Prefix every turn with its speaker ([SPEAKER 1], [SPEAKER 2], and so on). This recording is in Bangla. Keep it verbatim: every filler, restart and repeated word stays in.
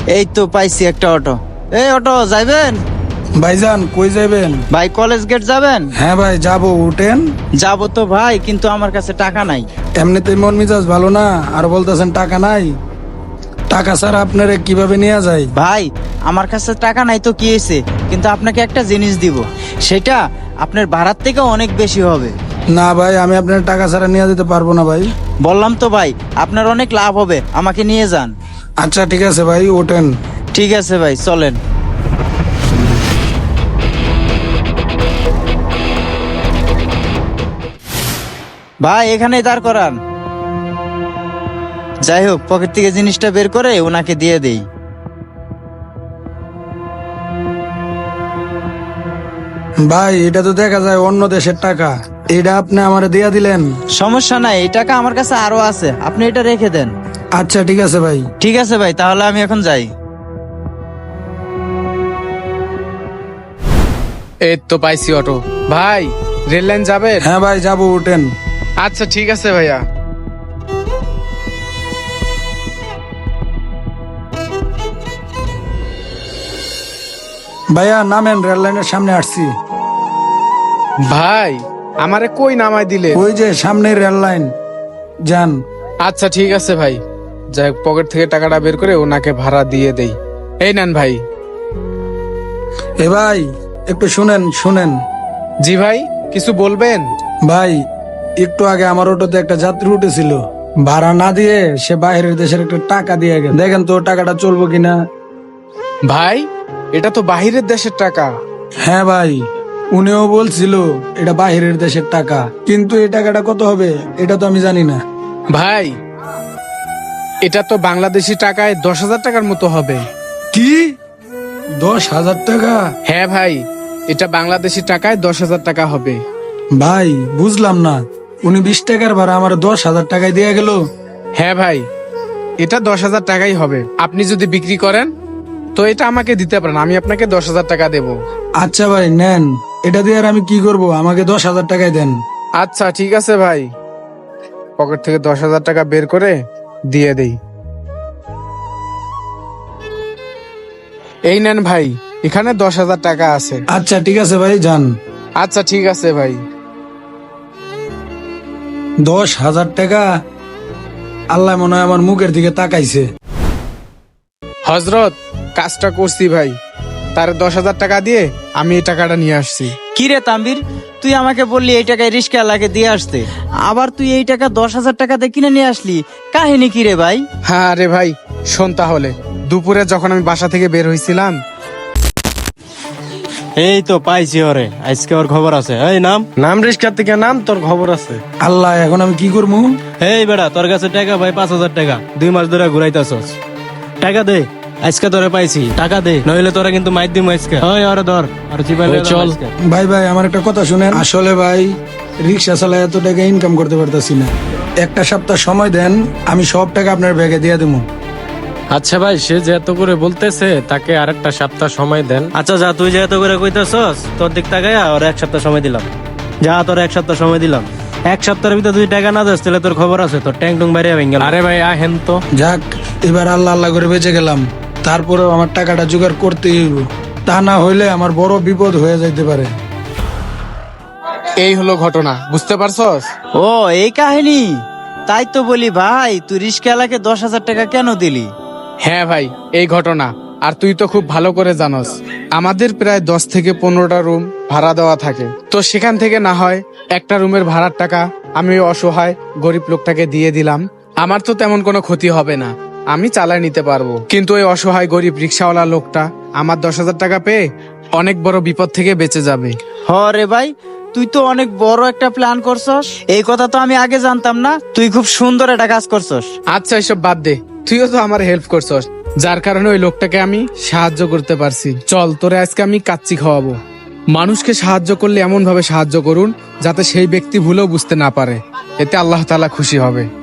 [SPEAKER 1] এই তো পাইছি একটা অটো। এই অটো যাইবেন?
[SPEAKER 2] ভাইজান কই যাবেন?
[SPEAKER 1] ভাই কলেজ গেট যাবেন?
[SPEAKER 2] হ্যাঁ ভাই যাবো, উঠেন।
[SPEAKER 1] যাবো তো ভাই, কিন্তু আমার কাছে টাকা নাই।
[SPEAKER 2] এমনিতেই মন মেজাজ ভালো না, আর বলতেছেন টাকা নাই। টাকা ছাড়া আপনারে কিভাবে নিয়ে যায়?
[SPEAKER 1] ভাই আমার কাছে টাকা নাই তো কি হয়েছে, কিন্তু আপনাকে একটা জিনিস দিব, সেটা আপনার ভাড়ার থেকে অনেক বেশি হবে।
[SPEAKER 2] না ভাই, আমি আপনার টাকা ছাড়া নিয়ে যেতে পারবো না ভাই।
[SPEAKER 1] বললাম তো ভাই, আপনার অনেক লাভ হবে, আমাকে নিয়ে যান।
[SPEAKER 2] আচ্ছা ঠিক আছে ভাই, ওঠেন।
[SPEAKER 1] ঠিক আছে ভাই, চলেন। ভাই এখানেই দাঁড় করান। যাই হোক, পকেট থেকে জিনিসটা বের করে ওনাকে দিয়ে দেই।
[SPEAKER 2] ভাই এটা তো দেখা যায় অন্য দেশের টাকা, এটা আপনি আমারে দিয়া দিলেন।
[SPEAKER 1] সমস্যা নাই, এই টাকা আমার কাছে আরো আছে, আপনি এটা রেখে দেন।
[SPEAKER 2] আচ্ছা ঠিক আছে ভাই।
[SPEAKER 1] ঠিক আছে ভাই, তাহলে আমি এখন যাই।
[SPEAKER 3] এই তো পাইছি অটো। ভাই রেল লাইন যাবেন?
[SPEAKER 2] হ্যাঁ ভাই যাবো, উঠেন।
[SPEAKER 3] আচ্ছা ঠিক আছে ভাইয়া।
[SPEAKER 2] ভাইয়া নামেন, রেল লাইনের সামনে আসছি।
[SPEAKER 3] ভাই আমারে কই নামাই দিলে?
[SPEAKER 2] ওই যে সামনে রেল লাইন, যান।
[SPEAKER 3] আচ্ছা ঠিক আছে ভাই। যাই হোক, পকেট থেকে টাকাটা বের করে ওনাকে ভাড়া দিয়ে দেই। এই নেন ভাই।
[SPEAKER 2] এ ভাই একটু শুনেন শুনেন।
[SPEAKER 3] জি ভাই, কিছু বলবেন?
[SPEAKER 2] ভাই একটু আগে আমার অটোতে একটা যাত্রী উঠেছিল, ভাড়া না দিয়ে সে বাইরের দেশের একটা টাকা দিয়ে গেছে। দেখেন তো টাকাটা চলবো কিনা।
[SPEAKER 3] ভাই এটা তো বাহিরের দেশের টাকা।
[SPEAKER 2] হ্যাঁ ভাই, উনিও বলছিল এটা বাইরের দেশের টাকা, কিন্তু এই টাকাটা কত হবে এটা তো আমি জানি না।
[SPEAKER 3] ভাই এটা তো বাংলাদেশি টাকায় দশ হাজার টাকার মতো হবে।
[SPEAKER 2] কি, দশ হাজার টাকা?
[SPEAKER 3] হ্যাঁ ভাই, এটা বাংলাদেশি টাকায় দশ হাজার টাকা হবে।
[SPEAKER 2] ভাই বুঝলাম না, উনি বিশ টাকার ভাড়া আমার দশ হাজার টাকায় দিয়ে গেল।
[SPEAKER 3] হ্যাঁ ভাই, এটা দশ হাজার টাকাই হবে। আপনি যদি বিক্রি করেন তো এটা আমাকে দিতে পারেন, আমি আপনাকে দশ হাজার টাকা দেব।
[SPEAKER 2] আচ্ছা ভাই নেন, এটা দিয়ে আর আমি কি করব, আমাকে দশ হাজার টাকায় দেন।
[SPEAKER 3] আচ্ছা ঠিক আছে ভাই। পকেট থেকে দশ হাজার টাকা বের করে দিয়ে দেই। এই নেন ভাই, এখানে দশ হাজার টাকা আছে।
[SPEAKER 2] আচ্ছা ঠিক আছে ভাই, যান।
[SPEAKER 3] আচ্ছা ঠিক আছে ভাই।
[SPEAKER 2] দশ হাজার টাকা, আল্লাহ মনে হয় আমার মুখের দিকে তাকাইছে।
[SPEAKER 3] হজরত, কাজটা করছি ভাই, তার দশ হাজার টাকা দিয়ে আমি এই টাকাটা নিয়ে আসছি।
[SPEAKER 1] কি রে তাম্বির, তুই আমাকে বললি এই টাকায় রিস্কা লাগে দিয়ে আসতে, আবার তুই এই টাকা দশ হাজার টাকা দিয়ে কিনে নিয়ে আসলি, কাহিনী কি রে ভাই?
[SPEAKER 3] হ্যাঁ রে ভাই, শোন তাহলে। দুপুরে যখন আমি বাসা থেকে বের হয়েছিলাম।
[SPEAKER 4] এই তো পাইছি ওরে, আজকে ওর খবর আছে। এই নাম নাম রিস্কার থেকে নাম, তোর খবর আছে।
[SPEAKER 2] আল্লাহ, এখন আমি কি করবো?
[SPEAKER 4] এই বেড়া, তোর কাছে টাকা ভাই পাঁচ হাজার টাকা, দুই মাস ধরে ঘুরাইতেছস। টাকা দে, আজকে তোরে পাইছি, টাকা দে, নইলে তোরা কিন্তু মাইর দিম আজকে। ওই ওরে ধর, আর চিপাইলে চল।
[SPEAKER 2] ভাই ভাই আমার একটা কথা শুনেন, আসলে ভাই রিক্সা চালায় এত টাকা ইনকাম করতে পারতাছি না, একটা সপ্তাহ সময় দেন, আমি সব টাকা আপনার ব্যাগে দিয়ে দেবো।
[SPEAKER 5] আচ্ছা ভাই, সে যে এত করে বলতেছে, তাকে আরেকটা সপ্তাহ সময় দেন।
[SPEAKER 4] আচ্ছা যা, তুই যে এত করে কইতাছস, তোর দিক তাকাইয়া ওর এক সপ্তাহ সময় দিলাম। যা, তোর এক সপ্তাহ সময় দিলাম। এক সপ্তাহের ভিতরে তুই টাকা না দিস, তাহলে তোর খবর আছে, তোর ট্যাং টুং বাইরে ভেঙে গেল।
[SPEAKER 5] আরে ভাই আহেন তো।
[SPEAKER 2] যাক, এবার আল্লাহ আল্লাহ করে বেঁচে গেলাম, তারপরেও আমার টাকাটা জোগাড় করতেই হইব, তা না হইলে আমার বড় বিপদ হয়ে যাইতে পারে।
[SPEAKER 3] এই হলো ঘটনা, বুঝতে পারছস?
[SPEAKER 1] ও এই কাহিনী, তাই তো বলি ভাই, তুই রিস্কাওয়ালাকে দশ হাজার টাকা কেন দিলি?
[SPEAKER 3] হ্যাঁ ভাই, এই ঘটনা। আর তুই তো খুব ভালো করে জানোস, আমাদের প্রায় দশ থেকে পনেরোটা রুম ভাড়া দেওয়া থাকে। তো সেখান থেকে না হয় একটা রুমের ভাড়ার টাকা আমি ওই অসহায় গরিব লোকটাকে দিয়ে দিলাম। আমার তো তেমন কোনো ক্ষতি হবে না, আমি চালায় নিতে পারবো। কিন্তু ওই অসহায় গরিব রিক্সাওয়ালা লোকটা আমার দশ হাজার টাকা পেয়ে অনেক বড় বিপদ থেকে বেঁচে যাবে।
[SPEAKER 1] হ রে ভাই, তুই তো অনেক বড় একটা প্ল্যান করছস, এই কথা তো আমি আগে জানতাম না। তুই খুব সুন্দর একটা কাজ করছস।
[SPEAKER 3] আচ্ছা এসব বাদ দে, তুইও তো আমার হেল্প করছস, যার কারণে ওই লোকটাকে আমি সাহায্য করতে পারছি। চল তোরে আজকে আমি কাচ্চি খাওয়াবো। মানুষকে সাহায্য করলে এমন ভাবে সাহায্য করুন যাতে সেই ব্যক্তি ভুলেও বুঝতে না পারে, এতে আল্লাহ তাআলা খুশি হবে।